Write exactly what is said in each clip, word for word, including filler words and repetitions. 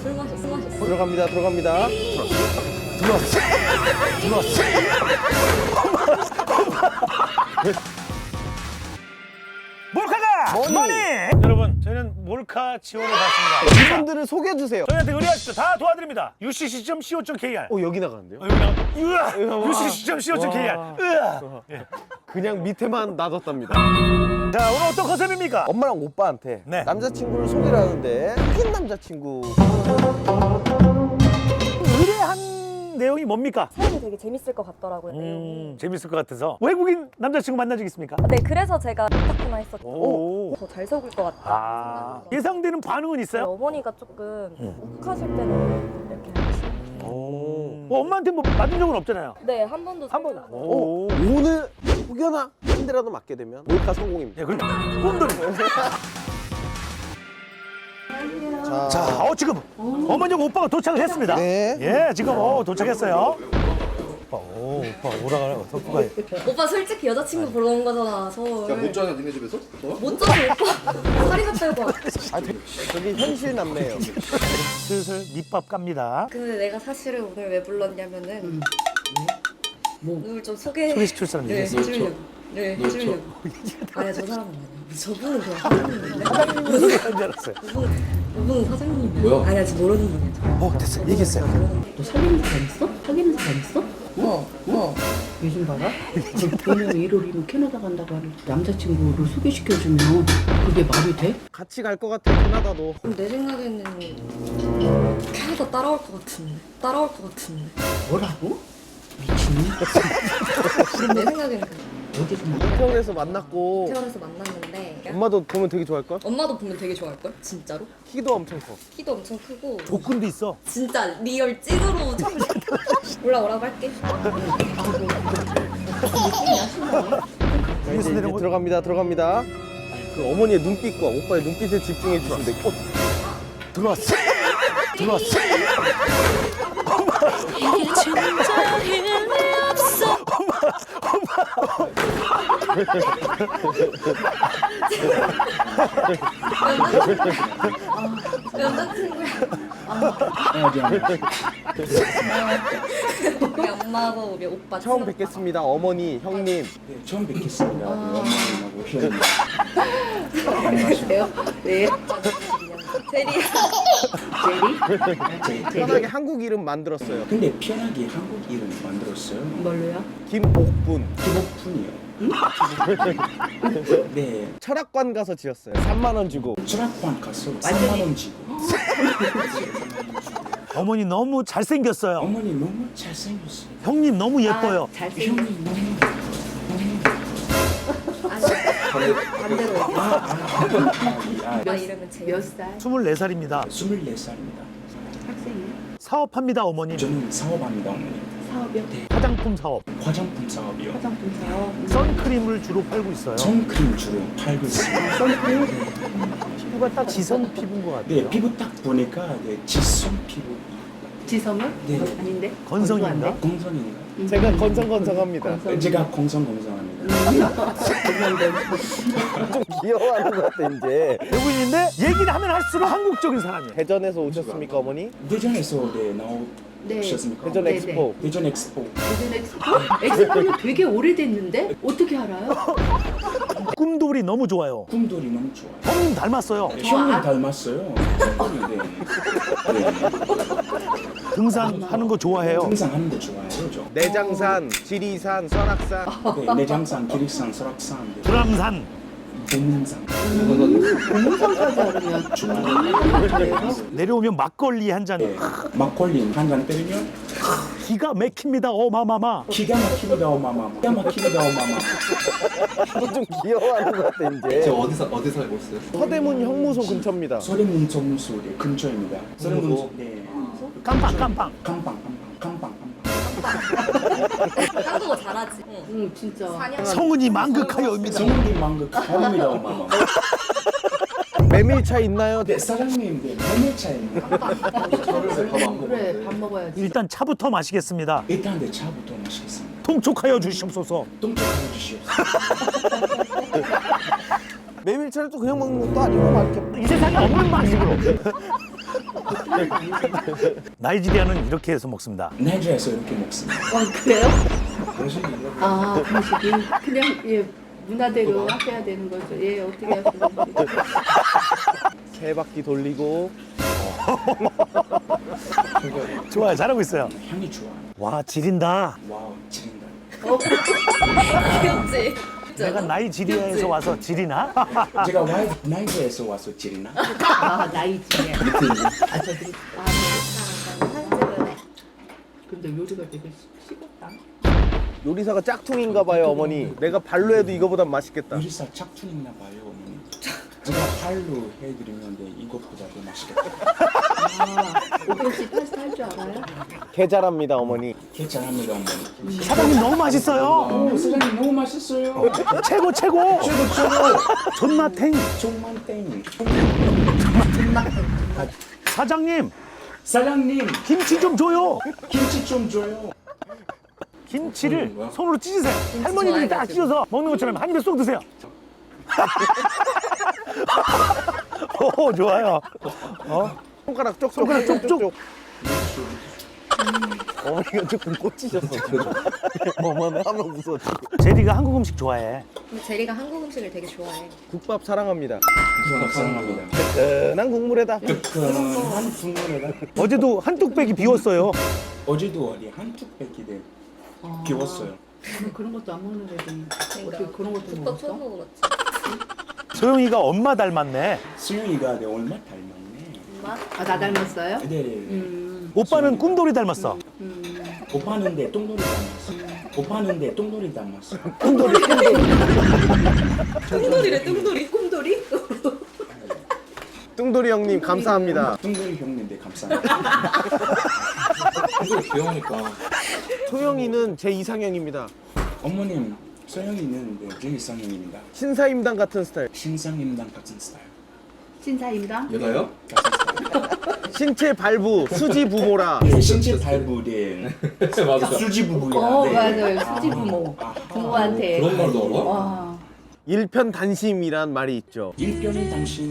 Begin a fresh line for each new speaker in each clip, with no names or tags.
술 마셨어, 술 마셨어.
들어갑니다. 들어갑니다. 들어왔어. 들어왔어.
몰카가
머니.
머니! 여러분, 저희는 몰카 지원을 받습니다.
이분들을 소개해 주세요.
저희한테 의뢰하십시오. 다 도와드립니다. 유씨씨 점 씨오 점 케이알.
오 여기 나가는데요?
어, 여기 나가. 으아! 유씨씨 점 씨오 점 케이알.
와.
으아! 예.
그냥 밑에만 놔뒀답니다.
자, 오늘 어떤 컨셉입니까?
엄마랑 오빠한테
네.
남자친구를 소개를 하는데 흑인 남자친구.
의뢰한 내용이 뭡니까?
사연이 되게 재밌을 것 같더라고요.
음,
내용이.
재밌을 것 같아서. 외국인 남자친구 만난 적 있습니까?
네, 그래서 제가 오타쿠나 했었죠.
오.
더 잘 속을 것 같다.
아, 예상되는 반응은
저희
있어요?
어머니가 조금 욱하실 때는 이렇게 하시는.
오.
뭐 엄마한테 뭐 받은 적은 없잖아요.
네, 한 번도
한 번.
살펴본 적이
오.
오늘 혹여나 한 대라도 맞게 되면 몰카 성공입니다.
예, 그럼 꿈돌이.
자,
자, 어 지금 어머니하고 오빠가 도착을 했습니다.
네.
예, 지금 어 도착했어요. 오빠, 오, 오빠 오라가라, 덕구가.
오빠 솔직히 여자친구 보러 온 거잖아, 서울.
야, 못 자냐, 니네 집에서? 어?
못 자서 오빠 살이나 빼고.
아, 저기 현실 남매예요.
슬슬 밑밥 갑니다.
근데 내가 사실은 오늘 왜 불렀냐면은 뭐? 오늘 좀 소개
소개시킬 사람
네,
있어요?
해주려고. 네,
너
해주려고. 아니야, 저 사람은 아니야. 저분은 그냥 사장님인데.
무슨 줄 알았어요.
그분은, 그분은 사장님이야.
뭐야?
아니야, 지금 모르는 분이야.
어, 됐어, 얘기했어요.
너 사귀는 사람 있어? 사귀는 사람 있어?
뭐, 뭐.
요즘 봐라. 오늘 일월이면 캐나다 간다고 하는 남자친구를 소개시켜주면 그게 말이 돼?
같이 갈 것 같아 캐나다도.
그럼 내 생각에는 캐나다 따라올 것 같은데. 따라올 것 같은데.
뭐라고? 미친놈?
내 생각에는 그래.
어디서 만나?
태원에서 만났고
태어나서 만났는데
엄마도 보면 되게 좋아할걸?
엄마도 보면 되게 좋아할걸? 진짜로?
키도 엄청 커.
키도 엄청 크고
조건도 있어.
진짜 리얼 찐으로 처음 올라오라고 할게.
자, 이제, 이제 들어갑니다. 들어갑니다. 그 어머니의 눈빛과 오빠의 눈빛에 집중해 주시면 돼요. 어, 들어왔어. 들어왔어.
여자친구야. 우리 엄마하고 우리 오빠
처음
친오빠.
뵙겠습니다. 어머니, 형님.
네, 처음 뵙겠습니다. 어머님하고 형님.
그래요? 네.
제리야.
제리?
편하게 한국 이름 만들었어요.
근데 편하게 한국 이름 만들었어요.
뭘로요?
김옥분.
기복fun이요. 네,
철학관 가서 지었어요. 삼만 원 주고.
철학관 가서 삼만 원 주고.
어머니 너무 잘생겼어요.
어머니 너무 잘생겼어요.
형님 너무 예뻐요.
아, 잘생겼어.
형님 너무
아니 반대로.
아, 아, 아,
오빠 이름은 제리.
몇 살?
스물네 살입니다.
스물네 살입니다.
학생이야?
사업합니다, 어머님.
저는 사업합니다, 어머니.
사업이요?
화장품 사업.
화장품 사업이요.
화장품 사업?
선크림을 주로 팔고 있어요.
선크림 주로 팔고 있습니다.
선크림?
피부가 딱 지성 피부인 것 같아요.
네, 피부 딱 보니까 네, 지성 피부.
지성은?
네.
아닌데?
건성인가?
건조한데?
공성인가?
제가 건성건성합니다.
건성.
제가 공성공성합니다.
좀 귀여워하는 것 같아 이제.
외국인인데 얘기를 하면 할수록 한국적인 사람이에요.
대전에서 오셨습니까 어머니?
대전에서 네,
네.
나오셨습니까?
대전
네,
엑스포.
대전 엑스포.
대전 엑스포? 엑스포는 되게 오래됐는데? 어떻게 알아요?
꿈돌이 너무 좋아요.
꿈돌이 너무 좋아요.
형님 닮았어요.
네, 형님
아.
닮았어요. 네.
등산하는 거 좋아해요.
등산하는 거 좋아해요, 저.
내장산, 지리산, 설악산.
네, 내장산, 기릭산, 설악산, 네,
불암산.
동문산.
공무상까지 알으면 중국어요?
내려오면 막걸리 한 잔.
네, 막걸리 한 잔 때리면
기가 막힙니다. 어마마마.
기가 막힙니다, 어마마. 기가 막힙니다, 어마마.
좀 귀여워하는 것 같아 이제.
어디서 어디 살고 있어요?
서대문 형무소 근처입니다.
서대문 정무소 네, 근처입니다. 서대문 네.
깜빵 깜빵.
깜빵, 깜빵, 깜빵,
한국어 잘하지. 응.
응 진짜.
사냥.
성은이 망극하여입니다.
성훈이 망극 가입니다, 어마마.
메밀차 있나요?
네, 사장님, 네, 메밀차입니다.
그래 밥 먹어야지.
일단 차부터 마시겠습니다.
일단 내 차부터 마시겠습니다.
통촉하여 주시옵소서.
똥쪽하여 주시옵소서.
메밀차를 또 그냥 먹는 것도 아니고 막 이렇게
이 세상에 없는 방식으로. 나이지리아는 이렇게 해서 먹습니다.
나이지리아에서 이렇게 먹습니다.
어, 그래요?
당신이 이렇게
아, 방식이 그냥 예 문화대로 하셔야 되는 거죠. 예, 어떻게 하시는 거죠?
세 바퀴 돌리고.
좋아요, 잘하고 있어요.
향이 좋아.
와, 지린다.
와우, 지린다.
귀엽지?
내가 나이지리아에서 와서 지리나?
제가 와이 나이지리아에서 와서 지리나?
아, 나이지리아. 아, 저기 아,
사진 찍을래?
근데 요리가 되게 식었다.
요리사가 짝퉁인가 봐요, 어머니. 내가 발로 해도 이거보단 맛있겠다.
요리사 짝퉁있나 봐요, 어머니. 제가 팔로 해드리면 네, 이것보다 더 맛있겠다.
아, 오빠 씨 파스타 할 줄 알아요?
개잘합니다, 어머니.
괜찮합니다, 어머니.
사장님 너무 맛있어요.
오, 사장님 너무 맛있어요.
최고, 최고.
최고, 최고.
존맛탱.
정말 땡.
사장님,
사장님,
김치 좀 줘요.
김치 좀 줘요.
김치를 손으로 찢으세요. 할머니들이 딱
좋아해가지고.
찢어서 먹는 것처럼 한 입에 쏙 드세요. 오, 좋아요. 어?
손가락 쪽쪽.
손가락 쪽쪽.
어머니가 조금 꽂히셨어. 어머니 하면 무서워.
제리가 한국 음식 좋아해.
근데 제리가 한국 음식을 되게 좋아해.
국밥 사랑합니다.
감사합니다.
뜨끈한 국물에다.
뜨끈한 국물에다.
어제도 한 뚝배기 비웠어요.
어제도 어디 한 뚝배기를 비웠어요.
아, 그런 것도 안 먹는 애들이 어떻게 그런 것도
국밥 처음
먹었어?
먹어봤지?
소영이가 엄마 닮았네.
수영이가 내 얼마 닮았네.
엄마?
아, 나 닮았어요?
네.
음,
오빠는 꿈돌이 닮았어.
음.
오빠는 내 똥돌이 닮았어. 오빠는 내 똥돌이 닮았어.
뚱돌이래 뚱돌이. 꿈돌이?
뚱돌이 형님 감사합니다.
똥돌이 형님들 감사합니다.
똥돌이 귀여우니까.
소영이는 제 이상형입니다.
어머님, 소영이는 네, 제 이상형입니다.
신사임당 같은 스타일.
신상임당 같은 스타일.
신사임당?
얘가요?
같은 스타일.
신체 발부, 수지 부모라.
네, 신체 발부대
맞아.
수지 부부야.
어,
네.
맞아요. 수지 부모.
아하.
부모한테.
그런 말도 알아?
와.
일편단심이란 말이 있죠.
일편이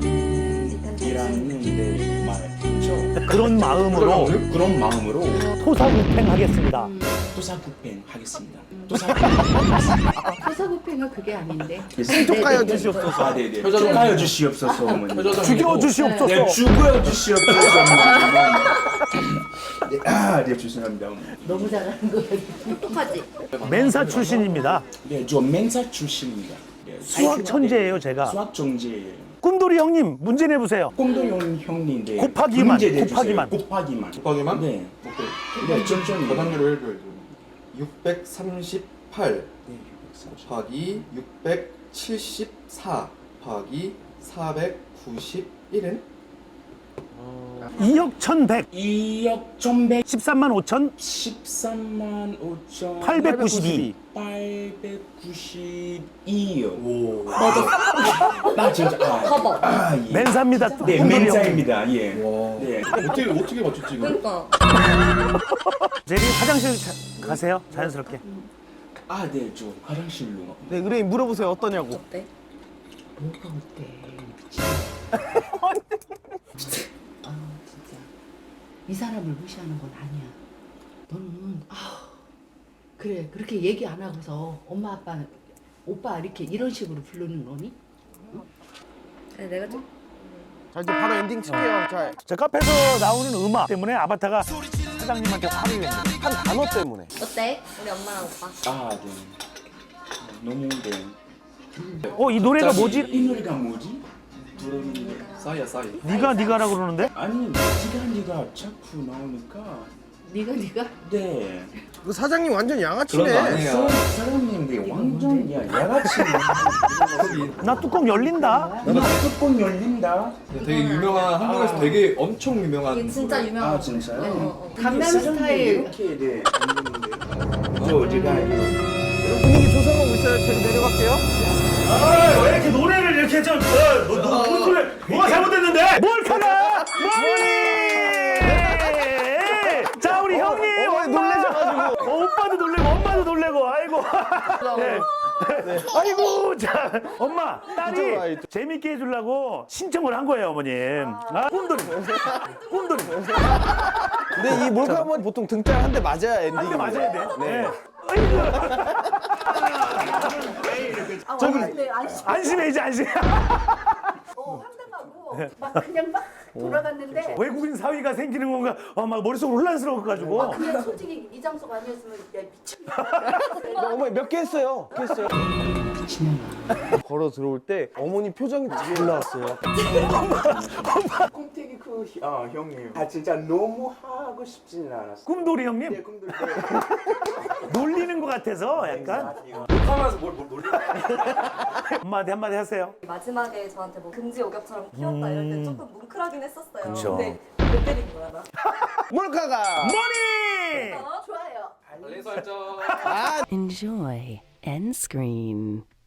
당신이라는 네, 말 있죠.
그런 마음으로
그런 마음으로
토사구팽 하겠습니다.
토사구팽 하겠습니다. 토사구팽 하겠습니다.
토사구팽은 그게 아닌데.
축하여 주시옵소서.
아, 네네.
표정이-
축하해 주시옵소서, 어머니.
죽여주시옵소서.
네, 죽여 주시옵소서, 어머니. 네, 아, 네, 죄송합니다, 어머니.
너무 잘하는 거 같아.
똑똑하지?
멘사 출신입니다.
네, 저 멘사 출신입니다. 네,
수학 천재예요, 제가.
수학 천재예요.
꿈돌이 형님 문제 내보세요.
꽁도형 형님인데
곱하기만,
문제 내주세요.
곱하기만.
곱하기만.
곱하기만?
네.
오케이.
네, 천천히.
계산기로 해줘야죠. 육백삼십팔
네,
곱하기 육백칠십사 곱하기 사백구십일은?
이억 천백.
이억 천백
십삼만 오천
십삼만 오천
팔백구십이.
팔백구십이요. 오. 맞아. 나 진짜. 아,
봐봐.
아, 예.
멘사입니다.
네,
꿈돌이 형.
멘사입니다. 예.
와.
네.
어떻게 어떻게 맞췄지 이거?
그러니까.
제리 화장실 자- 가세요. 자연스럽게.
아, 네, 저 화장실로.
네, 의뢰인 물어보세요. 어떠냐고.
어때?
뭐가 어때? 미친. 아, 진짜. 이 사람을 무시하는 건 아니야. 너는 아 그래 그렇게 얘기 안 하고서 엄마 아빠 오빠 이렇게 이런 식으로 부르는 거니?
아니, 내가 좀
자, 이제 바로 엔딩 칠게요. 자,
저 카페에서 나오는 음악 때문에 아바타가 사장님한테 화를 냈는데
한 단어 때문에.
어때? 우리 엄마랑 오빠.
아, 네. 너무 네.
어, 이 노래가 뭐지?
이 노래가 뭐지? 부르는
싸이야 싸이.
네가 네가라 그러는데?
아니, 네가 네가 자꾸 나오니까.
네가 네가
네.
그 사장님 완전
그런 거
양아치네.
아니에요.
사- 사장님들 완전 야 야같이
나 뚜껑 열린다.
나 뚜껑 열린다.
되게 유명한 한국에서 되게 엄청 유명한.
이게 진짜
노래.
유명한.
아, 진짜요?
어, 어, 어.
강남
사장님들
스타일.
이렇게 네 만드는데요. 저 제가 이거
분위기 조성하고 있어요. 제가 내려갈게요.
아, 왜 이렇게 노래를 이렇게 좀, 어, 너, 너, 무슨 소리, 뭐가 잘못됐는데? 뭘 카나? 머리! 자, 우리 형님,
어머니
엄마.
놀라셔가지고.
어, 오빠도 놀래고, 엄마도 놀래고, 아이고. 네. 아이고 자 엄마
이쪽으로 와,
딸이
이쪽.
재밌게 해주려고 신청을 한 거예요 어머님. 아, 꿈돌이 꿈돌이
근데 이 몰카는 보통 등짝 한 대 맞아야 엔딩이.
한대 맞아야 돼.
네.
아, 저기 안심.
안심해 이제 안심.
어, 황당하고 막 그냥 막 돌아갔는데
외국인 사위가 생기는 건가? 어, 막 머릿속 혼란스러워가지고.
그냥 솔직히 이 장소가 아니었으면 야 미친다.
어머니 몇 개 했어요? 몇 개 했어요? 걸어 들어올 때 어머니 표정이 잘 나왔어요.
꼼태기 그 어, 형님. 아 진짜 너무 하고 싶지는 않았어.
꿈돌이 형님
네, 꿈들 때.
놀리는 것 같아서 약간
하면서 뭘, 뭘 놀리는
한마디 한마디 하세요.
마지막에 저한테 뭐 금지 오겹처럼 키웠다 이럴 때 조금 뭉클하긴 했었어요.
그쵸.
근데 못 때린 거야 나.
몰카가.
머니.
어, 좋아요.
알림 설정.
Enjoy end screen.